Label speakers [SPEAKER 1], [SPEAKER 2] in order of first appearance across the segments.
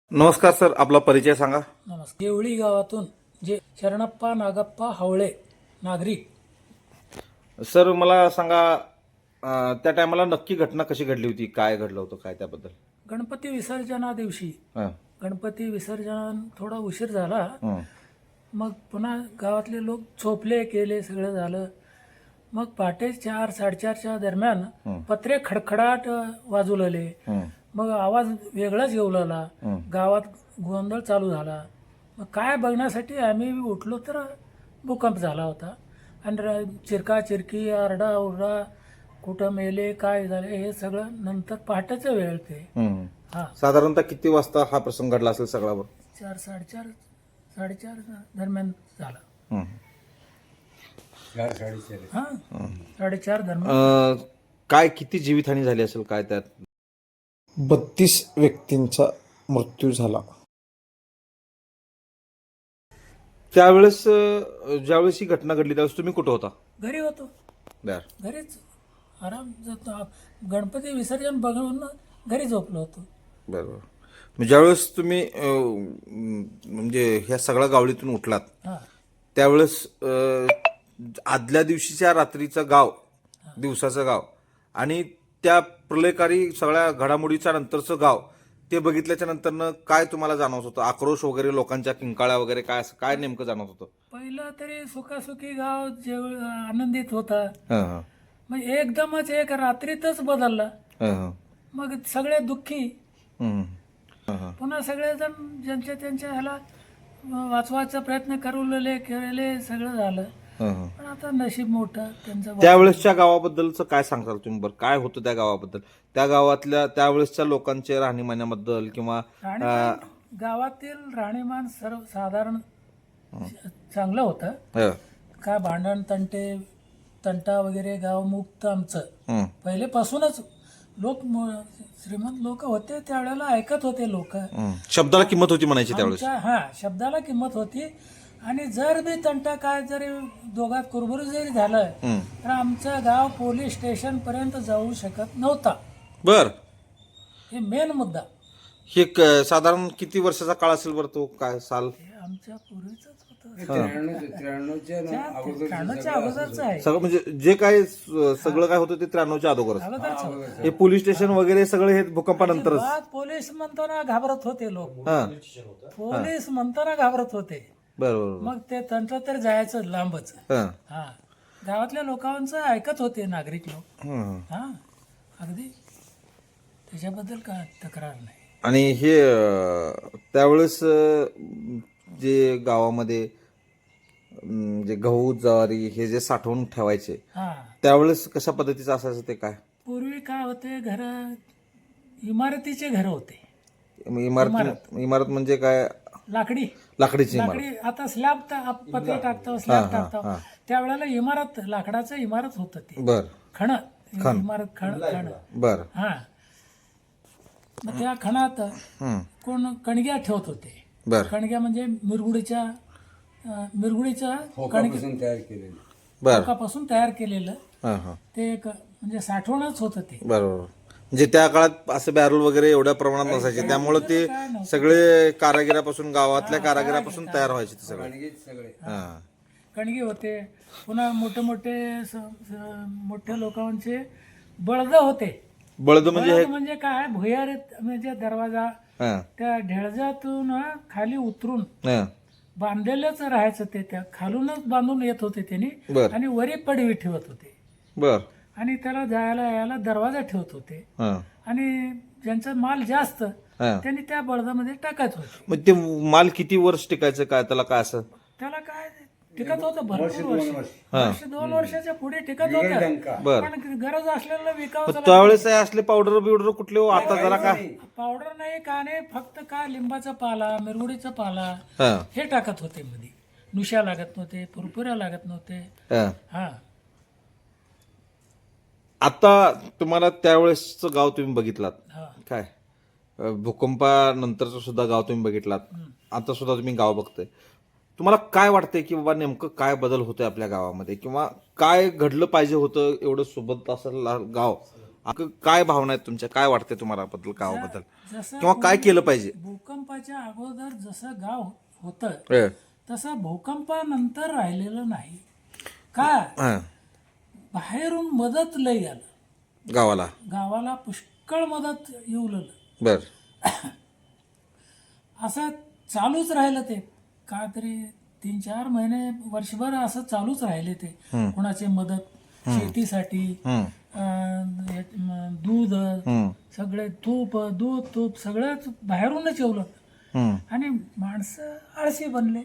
[SPEAKER 1] नमस्कार सर, आपला परिचय सांगा.
[SPEAKER 2] नमस्कार. देवळी गावातून जे शरणप्पा नागप्पा हवळे नागरिक.
[SPEAKER 1] सर मला सांगा, त्या टायमाला नक्की घटना कशी घडली होती, काय घडलं होतं, काय त्याबद्दल.
[SPEAKER 2] गणपती विसर्जना दिवशी
[SPEAKER 1] हं,
[SPEAKER 2] गणपती विसर्जन थोडा उशीर झाला.
[SPEAKER 1] हं,
[SPEAKER 2] मग पुन्हा गावातले लोक झोपले केले सगळं झालं. मग पहाटे 4-4:30च्या दरम्यान पत्रे खडखडाट वाजू लागले.
[SPEAKER 1] हं,
[SPEAKER 2] मग आवाज वेगळाच येऊ लागला. गावात गोंधळ चालू झाला. मग काय बघण्यासाठी आम्ही उठलो तर भूकंप झाला होता. आणि चिरका चिरकी आरडा कुठं मेले काय झाले हे सगळं नंतर पहाटेचं वेळ ते.
[SPEAKER 1] हं.
[SPEAKER 2] हा
[SPEAKER 1] साधारणतः किती वाजता हा प्रसंग घडला असेल सगळ्यावर.
[SPEAKER 2] 4-4:30 दरम्यान झाला.
[SPEAKER 1] हं.
[SPEAKER 2] 4-4:30 दरम्यान.
[SPEAKER 1] काय किती जीवितहानी झाली असेल काय त्यात.
[SPEAKER 3] 32 व्यक्तींचा मृत्यू झाला.
[SPEAKER 1] त्यावेळेस ज्यावेळेस ही घटना घडली त्यावेळेस तुम्ही कुठं होता.
[SPEAKER 2] घरी होतो.
[SPEAKER 1] बर.
[SPEAKER 2] घरीच आराम जातो. गणपती विसर्जन बघून घरी झोपलो होतो.
[SPEAKER 1] बरोबर. मग ज्यावेळेस तुम्ही म्हणजे ह्या सगळ्या गावडीतून उठलात
[SPEAKER 2] हा
[SPEAKER 1] त्यावेळेस आदल्या दिवशीच्या रात्रीचं गाव, दिवसाचं गाव आणि त्या प्रलयकारी सगळ्या घडामोडीच्या नंतरचं गाव ते बघितल्याच्या नंतरनं काय तुम्हाला जाणवत होतं. आक्रोश वगैरे, लोकांच्या किंकाळ्या वगैरे, काय असं काय नेमकं जाणवत होतं.
[SPEAKER 2] पहिलं तरी सुखासुखी गाव आनंदित होता.
[SPEAKER 1] हं, हं,
[SPEAKER 2] मग एकदमच एक रात्रीतच बदलला.
[SPEAKER 1] हं, हं,
[SPEAKER 2] मग सगळे दुःखी.
[SPEAKER 1] हं, हं, हं.
[SPEAKER 2] पुन्हा सगळेजण ज्यांच्या त्यांच्या ह्याला वाचवायचा प्रयत्न केलेले सगळं झालं.
[SPEAKER 1] हं, हं.
[SPEAKER 2] पण आता नशीब मोठं त्यांचं.
[SPEAKER 1] त्यावेळेसच्या गावाबद्दलचं काय सांगताल तुम्ही बरं. काय होतं त्या गावाबद्दल, त्या गावातल्या त्यावेळेसच्या लोकांच्या राहणीमानाबद्दल किंवा
[SPEAKER 2] गावातील राहणीमान सर्वसाधारण चांगलं होतं.
[SPEAKER 1] हं,
[SPEAKER 2] काय भांडण तंटा वगैरे गावमुक्त आमचं
[SPEAKER 1] हं,
[SPEAKER 2] पहिलेपासूनच. श्रीमंत लोक होते त्यावेळेला ऐकत होते लोक.
[SPEAKER 1] हं. शब्दाला किंमत होती म्हणायची त्यावेळेस.
[SPEAKER 2] शब्दाला किंमत होती. आणि जर बी तंटा काय जरी दोघात कुरबुरी जरी झालं
[SPEAKER 1] हं.
[SPEAKER 2] तर आमचं गाव पोलीस स्टेशन पर्यंत जाऊ शकत नव्हता.
[SPEAKER 1] बर.
[SPEAKER 2] हे मेन मुद्दा.
[SPEAKER 1] हे साधारण किती वर्षाचा काळ असेल बरं तो, काय साल.
[SPEAKER 2] हे आमच्या पूर्वीच होतं.
[SPEAKER 4] 93च्या
[SPEAKER 2] अगोदरच आहे.
[SPEAKER 1] सगळं म्हणजे जे काय सगळं काय होतं ते 93च्या अगोदरच.
[SPEAKER 2] अगोदरच होतं.
[SPEAKER 1] हे पोलीस स्टेशन वगैरे सगळे हे भूकंपानंतरच.
[SPEAKER 2] पोलीस म्हणताना घाबरत होते लोक.
[SPEAKER 1] हा.
[SPEAKER 2] पोलीस म्हणताना घाबरत होते.
[SPEAKER 1] बरोबर.
[SPEAKER 2] मग ते तंत्र तर जायचं लांबच.
[SPEAKER 1] हा.
[SPEAKER 2] हा गावातल्या लोकांचं ऐकत होते नागरिक लोक.
[SPEAKER 1] हं.
[SPEAKER 2] हा अगदी त्याच्याबद्दल काय तक्रार नाही.
[SPEAKER 1] आणि हे त्यावेळेस जे गावामध्ये जे गहू ज्वारी हे जे साठवून ठेवायचे
[SPEAKER 2] हा
[SPEAKER 1] त्यावेळेस कशा पद्धतीचं असायचं ते काय.
[SPEAKER 2] पूर्वी काय होते घर इमारतीचे घर होते.
[SPEAKER 1] इमारत म्हणजे काय.
[SPEAKER 2] लाकडी
[SPEAKER 1] लाकडीची इमारत.
[SPEAKER 2] आता स्लॅब पत्रे टाकतो स्लॅब टाकतो त्यावेळेला इमारत लाकडाचं इमारत होतं ते.
[SPEAKER 1] बर.
[SPEAKER 2] इमारत खण.
[SPEAKER 1] बर.
[SPEAKER 2] हा मग त्या खणात
[SPEAKER 1] हं.
[SPEAKER 2] कोण कणग्या ठेवत होते.
[SPEAKER 1] बर.
[SPEAKER 2] कणग्या म्हणजे मिरगुडीच्या
[SPEAKER 4] खोकापासून तयार केलेलं.
[SPEAKER 1] बर.
[SPEAKER 2] खोकापासून तयार केलेलं
[SPEAKER 1] हां हां.
[SPEAKER 2] ते एक म्हणजे साठवणच होतं ते.
[SPEAKER 1] बरोबर. म्हणजे त्या काळात असं बॅरल वगैरे एवढ्या प्रमाणात नसायचे त्यामुळे ते सगळे कारागिरापासून, गावातल्या कारागिरापासून तयार व्हायचे ते सगळे.
[SPEAKER 4] सगळे
[SPEAKER 1] हां.
[SPEAKER 2] कणगी होते. पुन्हा मोठे लोकांचे बळद होते.
[SPEAKER 1] बळद म्हणजे
[SPEAKER 2] बळद म्हणजे काय भुयार म्हणजे दरवाजा
[SPEAKER 1] हां
[SPEAKER 2] त्या ढेळजातून खाली उतरून
[SPEAKER 1] हां.
[SPEAKER 2] बांधलेलंच राहायचं ते. त्या खालूनच बांधून येत होते त्यांनी.
[SPEAKER 1] बर.
[SPEAKER 2] आणि वरी पडवी ठेवत होते.
[SPEAKER 1] बर.
[SPEAKER 2] आणि त्याला जायला यायला दरवाजा ठेवत होते.
[SPEAKER 1] हां
[SPEAKER 2] आणि ज्यांचा माल जास्त
[SPEAKER 1] हां.
[SPEAKER 2] त्यांनी त्या बळदामध्ये टाकत होते.
[SPEAKER 1] मग ते माल किती वर्ष टिकायचं काय, त्याला काय असं.
[SPEAKER 2] त्याला काय टिकत होतं भरपूर वर्ष. 2 वर्षाच्या पुढे टिकत होतं.
[SPEAKER 1] बर.
[SPEAKER 2] पण गरज असलेलं विकावं.
[SPEAKER 1] त्यावेळेस असले पावडर बिवडर कुठले हो, आता जरा काय.
[SPEAKER 2] पावडर नाही का नाही, फक्त काय लिंबाचा पाला, मिरगुडीचा पाला
[SPEAKER 1] हां
[SPEAKER 2] हे टाकत होते मध्ये. नुशा लागत नव्हते, पुरपुऱ्या लागत नव्हते.
[SPEAKER 1] हां.
[SPEAKER 2] हा
[SPEAKER 1] आता तुम्हाला त्यावेळेसचं गाव तुम्ही बघितलात
[SPEAKER 2] हा
[SPEAKER 1] काय, भूकंपानंतरचं सुद्धा गाव तुम्ही बघितलात, आता सुद्धा तुम्ही गाव बघताय. तुम्हाला काय वाटतंय की बाबा नेमकं काय बदल होतोय आपल्या गावामध्ये, किंवा काय घडलं पाहिजे होतं एवढं सोबत असं गाव. काय भावना आहेत तुमच्या, काय वाटतंय तुम्हाला बद्दल गावाबद्दल,
[SPEAKER 2] जसं
[SPEAKER 1] किंवा काय केलं पाहिजे.
[SPEAKER 2] भूकंपाच्या भूकंपाच्या अगोदर जसं गाव होतं
[SPEAKER 1] ए,
[SPEAKER 2] तसं भूकंपानंतर राहिलेलं नाही. का
[SPEAKER 1] हा,
[SPEAKER 2] बाहेरून मदत लई आलं,
[SPEAKER 1] गावाला.
[SPEAKER 2] गावाला पुष्कळ मदत येऊ लागलं.
[SPEAKER 1] बर.
[SPEAKER 2] असं चालूच राहिलं ते का तरी 3-4 महिने वर्षभर असं चालूच राहिले ते. कोणाची मदत शेतीसाठी, दूध सगळे तूप सगळंच बाहेरूनच येऊ लागलं. आणि माणसं आळशी बनले.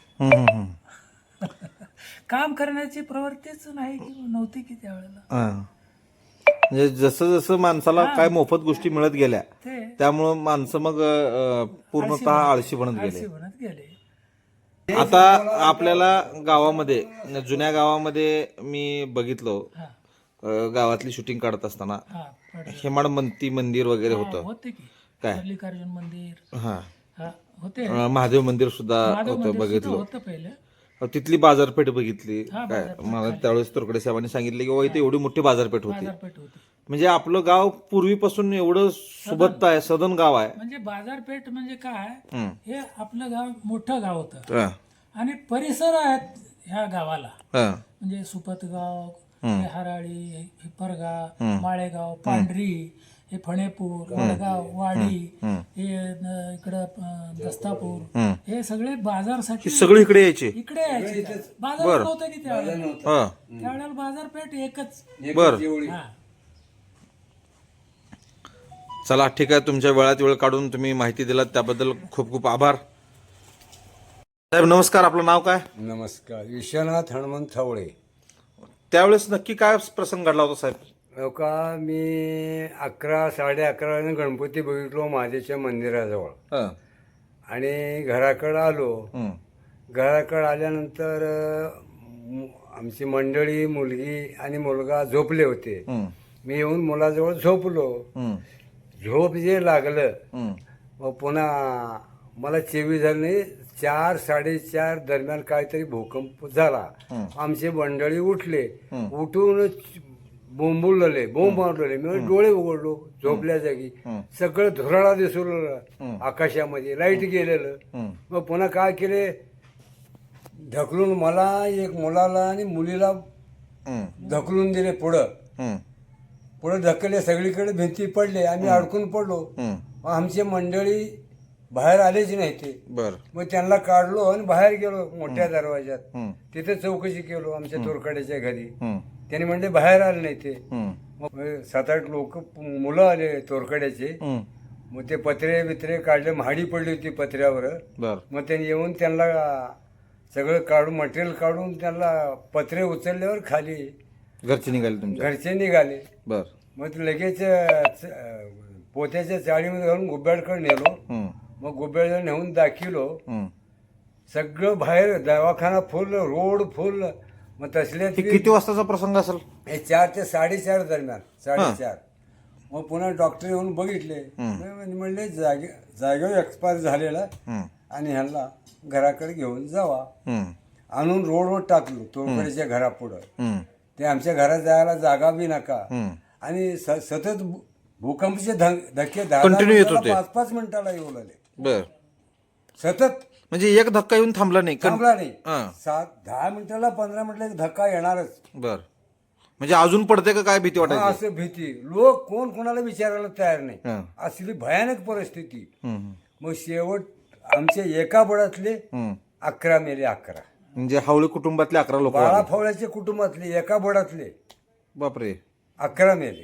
[SPEAKER 2] काम करण्याची प्रवृत्तीच नाही की नव्हती की त्यावेळेला.
[SPEAKER 1] हा. म्हणजे जसं जसं माणसाला काय मोफत गोष्टी मिळत गेल्या
[SPEAKER 2] ते
[SPEAKER 1] त्यामुळं माणसं मग पूर्णतः आळशी बनत
[SPEAKER 2] आळशी
[SPEAKER 1] गेले.
[SPEAKER 2] बनत गेले.
[SPEAKER 1] आता आपल्याला गावामध्ये, जुन्या गावामध्ये मी बघितलो, गावातली शूटिंग काढत असताना
[SPEAKER 2] हा पडलं.
[SPEAKER 1] हेमाडपंथी मंदिर वगैरे
[SPEAKER 2] हा,
[SPEAKER 1] होतं.
[SPEAKER 2] होते की
[SPEAKER 1] काय?
[SPEAKER 2] मल्लिकार्जुन मंदिर
[SPEAKER 1] हा,
[SPEAKER 2] हा होते.
[SPEAKER 1] महादेव मंदिर सुद्धा
[SPEAKER 2] माधव
[SPEAKER 1] होतं,
[SPEAKER 2] मंदिर सुद्धा
[SPEAKER 1] बघितलं.
[SPEAKER 2] होतं पहिले.
[SPEAKER 1] तिथली बाजारपेठ बघितली.
[SPEAKER 2] हा,
[SPEAKER 1] काय
[SPEAKER 2] बाजारपेठ
[SPEAKER 1] मला त्यावेळेस तोरकडे साहेबांनी सांगितले की इथे एवढी मोठी बाजारपेठ होती.
[SPEAKER 2] बाजारपेठ होती.
[SPEAKER 1] म्हणजे आपलं गाव पूर्वीपासून एवढं सुबत्त आहे, सदन गाव आहे.
[SPEAKER 2] म्हणजे बाजारपेठ म्हणजे काय,
[SPEAKER 1] हम्म.
[SPEAKER 2] हे आपलं गाव मोठं गाव होतं
[SPEAKER 1] हा,
[SPEAKER 2] आणि परिसर आहेत ह्या गावाला.
[SPEAKER 1] हा,
[SPEAKER 2] म्हणजे सुपतगाव, हे हराळी, हिप्परगाव, माळेगाव, पांढरी, हे फणेपूर, वडगाव, वाडी, हे इकडं दस्तापूर, हे सगळे बाजारसाठी
[SPEAKER 1] सगळे इकडे यायचे.
[SPEAKER 2] इकडे यायचे. बाजार नव्हतं की त्यावेळेला.
[SPEAKER 1] हा,
[SPEAKER 2] त्यावेळेला बाजारपेठ एकच.
[SPEAKER 1] बर.
[SPEAKER 2] हा.
[SPEAKER 1] चला ठीक आहे, तुमच्या वेळात वेळ काढून तुम्ही माहिती दिलात त्याबद्दल खूप खूप आभार. साहेब नमस्कार, आपलं नाव काय?
[SPEAKER 4] नमस्कार. विश्वनाथ हनुमंत थवळे.
[SPEAKER 1] त्यावेळेस नक्की काय प्रसंग घडला होता साहेब?
[SPEAKER 4] हो का, मी 11-11:30 गणपती बघितलो महादेवच्या मंदिराजवळ
[SPEAKER 1] हा,
[SPEAKER 4] आणि घराकडं आलो.
[SPEAKER 1] हम्म,
[SPEAKER 4] घराकडं आल्यानंतर आमची मंडळी, मुलगी आणि मुलगा झोपले होते.
[SPEAKER 1] हम्म,
[SPEAKER 4] मी येऊन मुलाजवळ झोपलो.
[SPEAKER 1] हम्म,
[SPEAKER 4] झोप जे लागलं,
[SPEAKER 1] हम्म,
[SPEAKER 4] मग पुन्हा मला चेवी झाली नाही. 4-4:30 दरम्यान काहीतरी भूकंप झाला. आमचे मंडळी उठले, उठून बोंबुलले, बोंब मारलेले. मी डोळे उघडलो झोपल्या जागी, सगळं धुराळा दिसू लागला आकाशामध्ये, लाईट गेलेलं. मग पुन्हा काय केले, ढकलून मला, एक मुलाला आणि मुलीला ढकलून दिले पुढं. पुढे ढकलले, सगळीकडे भिंती पडले, आम्ही अडकून पडलो. मग आमची मंडळी बाहेर आलेच नाही ते.
[SPEAKER 1] बर.
[SPEAKER 4] मग त्यांना काढलो आणि बाहेर गेलो मोठ्या दरवाज्यात. तिथे चौकशी केलो आमच्या तोरकड्याच्या घरी. त्यांनी म्हणले बाहेर आले नाही ते. मग 7-8 लोक मुलं आले तोरकड्याचे. मग ते पत्रे बित्रे काढले, महाडी पडली होती पत्र्यावर.
[SPEAKER 1] बर.
[SPEAKER 4] मग त्यांनी येऊन त्यांना सगळं काढून, मटेरियल काढून त्यांना पत्रे उचलल्यावर खाली
[SPEAKER 1] घरचे निघाले तुमच्या?
[SPEAKER 4] घरचे निघाले.
[SPEAKER 1] बर.
[SPEAKER 4] मग ते लगेच पोत्याच्या चाळीमध्ये घालून गुब्याडकडे नेलो. मग गुब्याडला नेऊन दाखिलो. सगळं बाहेर दवाखाना फुल, रोड फुल. मग तसले
[SPEAKER 1] किती वाजताचा प्रसंग असेल?
[SPEAKER 4] हे 4 ते 4:30 दरम्यान, 4:30. मग पुन्हा डॉक्टर येऊन बघितले, म्हणले जागेवर एक्सपायर झालेला आणि ह्यांना घराकडे घेऊन जावा. आणून रोडवर टाकलो तोरकडेच्या घरापुढं. ते आमच्या घरात जायला जागा बी नका. आणि सतत भूकंपचे धक्के
[SPEAKER 1] Continue येत होते.
[SPEAKER 4] 5-5 मिनिटाला येऊ लागले.
[SPEAKER 1] बर.
[SPEAKER 4] सतत
[SPEAKER 1] म्हणजे एक धक्का येऊन थांबला नाही?
[SPEAKER 4] थांबला नाही.
[SPEAKER 1] हा.
[SPEAKER 4] 10 मिनिटाला 15 मिनिटाला धक्का येणारच.
[SPEAKER 1] बर. म्हणजे अजून पडते का काय भीती
[SPEAKER 4] हा,
[SPEAKER 1] वाटायची?
[SPEAKER 4] असं भीती. लोक कोण कोणाला विचारायला तयार नाही.
[SPEAKER 1] हा.
[SPEAKER 4] असली भयानक परिस्थिती. मग शेवट आमच्या एका बळातले 11 मेले. 11
[SPEAKER 1] म्हणजे हावळे कुटुंबातले 11 लोक?
[SPEAKER 4] बाळा फवळ्याच्या कुटुंबातले एका बळातले
[SPEAKER 1] बापरे.
[SPEAKER 4] 11 मेले.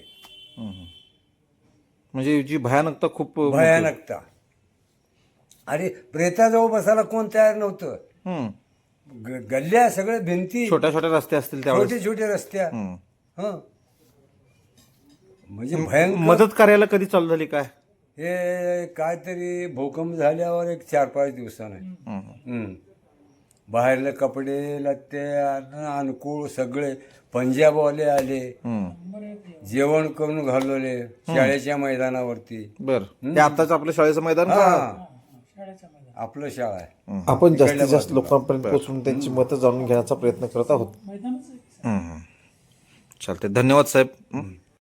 [SPEAKER 1] म्हणजे जी भयानकता खूप
[SPEAKER 4] भयानकता. अरे प्रेताजवळ बसायला कोण तयार नव्हतं. गल्ल्या सगळ्या भिंती,
[SPEAKER 1] छोट्या छोट्या रस्ते असतील त्यावेळेस?
[SPEAKER 4] छोटे छोटे रस्त्या. हं. म्हणजे भयंकर.
[SPEAKER 1] मदत करायला कधी चालू झाली काय?
[SPEAKER 4] हे काहीतरी भूकंप झाल्यावर एक 4-5 दिवसाने. बाहेरले कपडे लत्ते अनुकूळ सगळे पंजाबवाले आले, जेवण करून घालवले शाळेच्या मैदानावरती.
[SPEAKER 1] बर. ते आताच आपल्या शाळेचं मैदान का?
[SPEAKER 4] आपलं शाळा आहे.
[SPEAKER 3] आपण जास्तीत जास्त लोकांपर्यंत पोहोचून त्यांची मतं जाणून घेण्याचा प्रयत्न करत आहोत.
[SPEAKER 2] मैदानच आहे.
[SPEAKER 1] चालते. धन्यवाद साहेब.